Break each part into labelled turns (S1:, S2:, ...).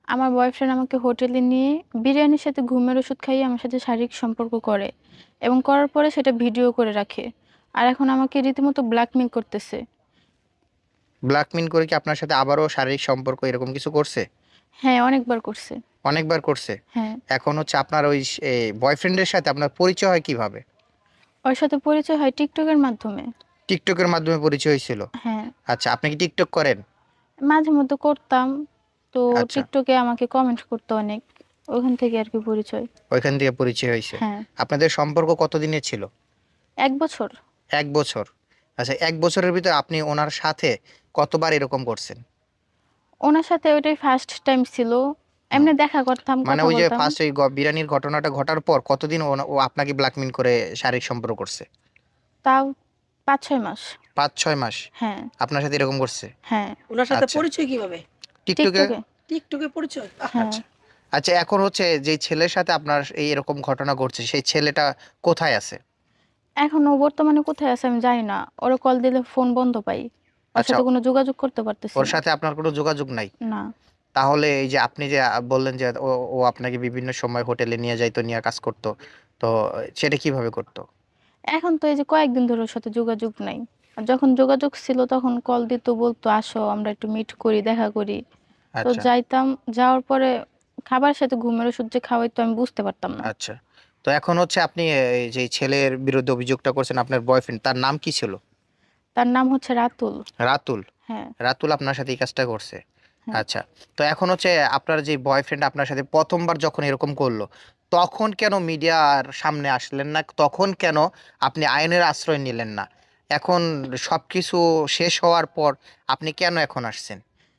S1: আমার বয়ফ্রেন্ড আমাকে হোটেলে নিয়ে বিরিয়ানির সাথে ঘুমের ওষুধ খাইয়ে আমার সাথে শারীরিক সম্পর্ক করে এবং করার পরে সেটা ভিডিও করে রাখে। আর এখন আমাকে রীতিমতো ব্ল্যাকমেইল করতেছে।
S2: ব্ল্যাকমেইল করে কি আপনার সাথে আবারও শারীরিক সম্পর্ক এরকম কিছু করছে?
S1: হ্যাঁ, অনেকবার করছে।
S2: অনেকবার করছে।
S1: হ্যাঁ।
S2: এখন হচ্ছে আপনার ওই বয়ফ্রেন্ডের সাথে আপনার পরিচয় হয় কিভাবে?
S1: ওর সাথে পরিচয় হয় টিকটকের মাধ্যমে।
S2: টিকটকের মাধ্যমে পরিচয় হয়েছিল।
S1: হ্যাঁ।
S2: আচ্ছা, আপনি কি টিকটক করেন?
S1: মাঝে মধ্যে করতাম। তো
S2: আচ্ছা,
S1: টিকটকে আমাকে কমেন্ট করতো অনেক। ওখান থেকে আর কি পরিচয়।
S2: ওইখান থেকে পরিচয় হয়েছে।
S1: হ্যাঁ।
S2: আপনাদের সম্পর্ক কতদিনের ছিল?
S1: 1 বছর।
S2: 1 বছর। আচ্ছা, 1 বছরের ভিতরে আপনি ওনার সাথে কতবার এরকম করছেন?
S1: ওনার সাথে ওইটাই ফার্স্ট টাইম ছিল।
S2: হুম।
S1: এমনি দেখা করতাম,
S2: মানে
S1: কথা
S2: ওই যে
S1: বলতাম।
S2: ফার্স্ট এই বিরিয়ানির ঘটনাটা ঘটার পর কতদিন ও আপনাকে ব্ল্যাকমেইল করে শারীরিক সম্পর্ক করছে?
S1: তাও 5-6 মাস।
S2: 5-6 মাস
S1: হ্যাঁ।
S2: আপনার সাথে এরকম করছে?
S1: হ্যাঁ।
S3: উনার সাথে
S2: আচ্ছা,
S3: পরিচয় কিভাবে?
S2: টিকটকে।
S1: টিকটকে।
S3: টিকটকে পরিচয়?
S1: হ্যাঁ।
S2: আচ্ছা, আচ্ছা, এখন হচ্ছে যে ছেলের সাথে আপনার এই এরকম ঘটনা ঘটছে সেই ছেলেটা কোথায় আছে?
S1: এখন ও বর্তমানে কোথায় আছে আমি জানি না। ওরে কল দিলে ফোন বন্ধ পাই। ওর
S2: আচ্ছা,
S1: সাথে কোনো যোগাযোগ করতে পারতেছি
S2: ওর
S1: না।
S2: সাথে আপনার কোনো যোগাযোগ নাই?
S1: না।
S2: তাহলে এই যে আপনি যে বললেন যে ও আপনাকে বিভিন্ন সময় হোটেলে নিয়ে যাইতো, নিয়ে কাজ করতো। তো সেটা কিভাবে করতো?
S1: এখন তো এই যে কয়েকদিন ধরে ওর সাথে যোগাযোগ নাই। আর যখন যোগাযোগ ছিল তখন কল দিত, বলতো আসো আমরা একটু মিট করি, দেখা করি। তো
S2: আচ্ছা,
S1: যাইতাম। যাওয়ার পরে খাবার সাথে ঘুমের ওষুধ যে খাওয়াইতো আমি বুঝতে পারতাম না।
S2: আচ্ছা। তো এখন হচ্ছে আপনি এই যে ছেলের বিরুদ্ধে অভিযোগটা করছেন আপনার বয়ফ্রেন্ড, তার নাম কি ছিল?
S1: তার নাম হচ্ছে রাতুল।
S2: রাতুল।
S1: হ্যাঁ।
S2: রাতুল আপনার সাথে এই কাজটা করছে।
S1: হ্যাঁ।
S2: আচ্ছা। তো এখন হচ্ছে আপনার যে বয়ফ্রেন্ড আপনার সাথে ১ম বার যখন এরকম করলো, তখন কেন মিডিয়ার সামনে আসলেন না? তখন কেন আপনি আইনের আশ্রয় নিলেন না? এখন সবকিছু শেষ হওয়ার পর আপনি কেন এখন আসছেন?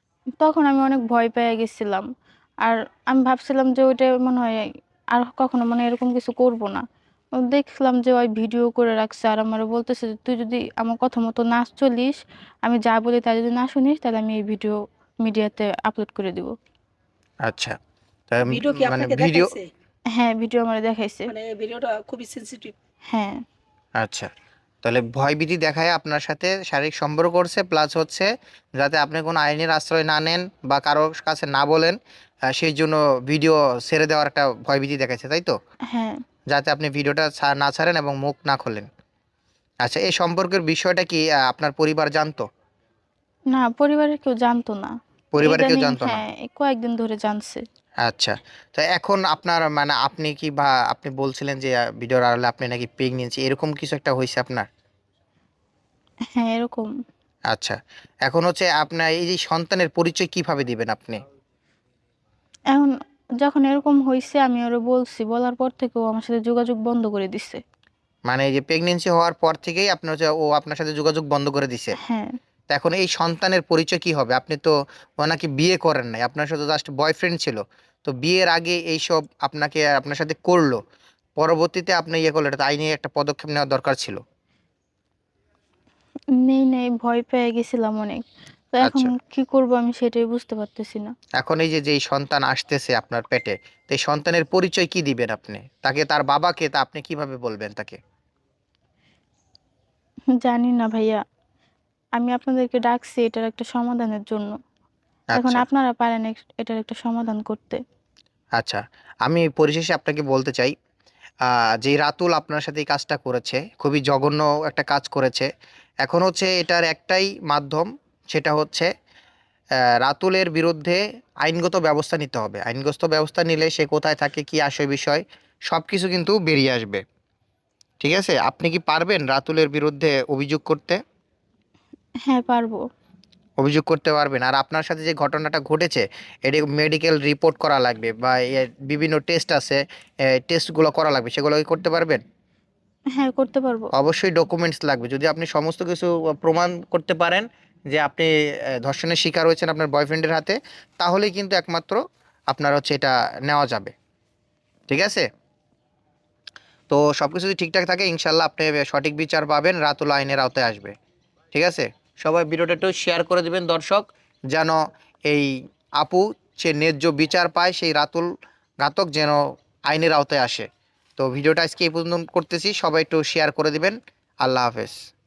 S1: তখন আমি অনেক ভয় পেয়ে গেছিলাম। আর আমি ভাবছিলাম যে ওইটা মনে হয় আর কখনো মানে এরকম কিছু করব না। দেখলাম যে ওই ভিডিও করে রাখছে আর আমারে বলতেছে যে, "তুই যদি আমার কথা মতো না চলিস, আমি যা বলি তা যদি না শুনিস তাহলে আমি এই ভিডিও মিডিয়াতে আপলোড করে দিব।"
S2: আচ্ছা। তা
S3: ভিডিও কি
S2: মানে
S3: আপনাকে
S2: ভিডিও।
S3: দেখাইছে?
S1: হ্যাঁ, ভিডিও আমারে দেখাইছে।
S3: মানে ভিডিওটা খুবই সেনসিটিভ।
S1: হ্যাঁ।
S2: আচ্ছা। তাহলে ভয়ভীতি দেখায় আপনার সাথে শারীরিক সম্পর্ক করছে, প্লাস হচ্ছে যাতে আপনি কোনো আইনের আশ্রয় না নেন বা কারো কাছে না বলেন, সেই জন্য ভিডিও ছেড়ে দেওয়ার একটা ভয়ভীতি দেখাইছে, তাই তো?
S1: হ্যাঁ।
S2: যাতে আপনি ভিডিওটা না ছাড়েন এবং মুখ না খোলেন। আচ্ছা, এই সম্পর্কের বিষয়টা কি আপনার পরিবার জানতো?
S1: না, পরিবারের কেউ জানতো না।
S2: পরিবারে কেউ
S1: ইদানিং
S2: জানতো না?
S1: হ্যাঁ, এই কয়েকদিন ধরে জানছে।
S2: আচ্ছা। তো এখন আপনার মানে আপনি কি বা আপনি বলছিলেন যে ভিডিওর আড়ালে আপনি নাকি প্রেগন্যান্সি এরকম কিছু একটা হইছে আপনার?
S1: হ্যাঁ, এরকম।
S2: আচ্ছা। এখন হচ্ছে আপনার এই যে সন্তানের পরিচয় কিভাবে দিবেন আপনি?
S1: এখন যখন এরকম হইছে আমি ওরে বলছি। বলার পর থেকে ও আমার সাথে যোগাযোগ বন্ধ করে দিছে।
S2: মানে এই যে প্রেগন্যান্সি হওয়ার পর থেকেই আপনার হচ্ছে ও আপনার সাথে যোগাযোগ বন্ধ করে দিছে।
S1: হ্যাঁ।
S2: তো এখন এই সন্তানের পরিচয় কি হবে? আপনি তো ওনাকে বিয়ে করেন নাই। আপনার সাথে জাস্ট বয়ফ্রেন্ড ছিল। তো বিয়ের আগে এইসব আপনাকে আপনার সাথে করলো। পরবর্তীতে আপনি ইয়ে করলেন, এটা তো আইনি একটা পদক্ষেপ নেওয়া দরকার ছিল।
S1: নেই, ভয় পেয়ে গেছিলাম অনেক। তো এখন
S2: আচ্ছা।
S1: কি করব আমি সেটাই বুঝতে পারতেছি না।
S2: এখন এই যে যেই সন্তান আসতেছে আপনার পেটে, তো এই সন্তানের পরিচয় কি দিবেন আপনি? তাকে তার বাবাকে তা আপনি কিভাবে বলবেন তাকে?
S1: জানি না ভাইয়া। আমি আপনাদেরকে ডাকছি এটার একটা সমাধানের জন্য। এখন
S2: আচ্ছা,
S1: আপনারা পারেন এটার একটা সমাধান করতে।
S2: আচ্ছা। আমি পরিশেষে আপনাকে বলতে চাই, যে রাতুল আপনার সাথে এই কাজটা করেছে, খুবই জঘন্য একটা কাজ করেছে। এখন হচ্ছে এটার একটাই মাধ্যম, সেটা হচ্ছে রাতুলের বিরুদ্ধে আইনগত ব্যবস্থা নিতে হবে। আইনগত ব্যবস্থা নিলে সে কোথায় থাকে, কি আসে বিষয়, সবকিছু কিন্তু বেরিয়ে আসবে। ঠিক আছে? আপনি কি পারবেন রাতুলের বিরুদ্ধে অভিযোগ করতে?
S1: হ্যাঁ, পারবো।
S2: অভিযোগ করতে পারবেন। আর আপনার সাথে যে ঘটনাটা ঘটেছে, এটি মেডিকেল রিপোর্ট করা লাগবে বা এর বিভিন্ন টেস্ট আছে, টেস্টগুলো করা লাগবে। সেগুলো কি করতে পারবেন?
S1: হ্যাঁ, করতে পারবো।
S2: অবশ্যই ডকুমেন্টস লাগবে। যদি আপনি সমস্ত কিছু প্রমাণ করতে পারেন যে আপনি ধর্ষণের শিকার হয়েছেন আপনার বয়ফ্রেন্ডের হাতে, তাহলেই কিন্তু একমাত্র আপনার হচ্ছে এটা নেওয়া যাবে। ঠিক আছে? তো সবকিছু যদি ঠিকঠাক থাকে ইনশাআল্লাহ আপনি সঠিক বিচার পাবেন, রাতুল আইনের আওতায় আসবে। ঠিক আছে? সবাই ভিডিওটা একটু শেয়ার করে দিবেন দর্শক, যেন এই আপু সে ন্যায্য বিচার পায়, সেই রাতুল ঘাতক যেন আইনের আওতায় আসে। তো ভিডিওটা আজকে এই পর্যন্ত করতেছি। সবাই একটু শেয়ার করে দিবেন। আল্লাহ হাফেজ।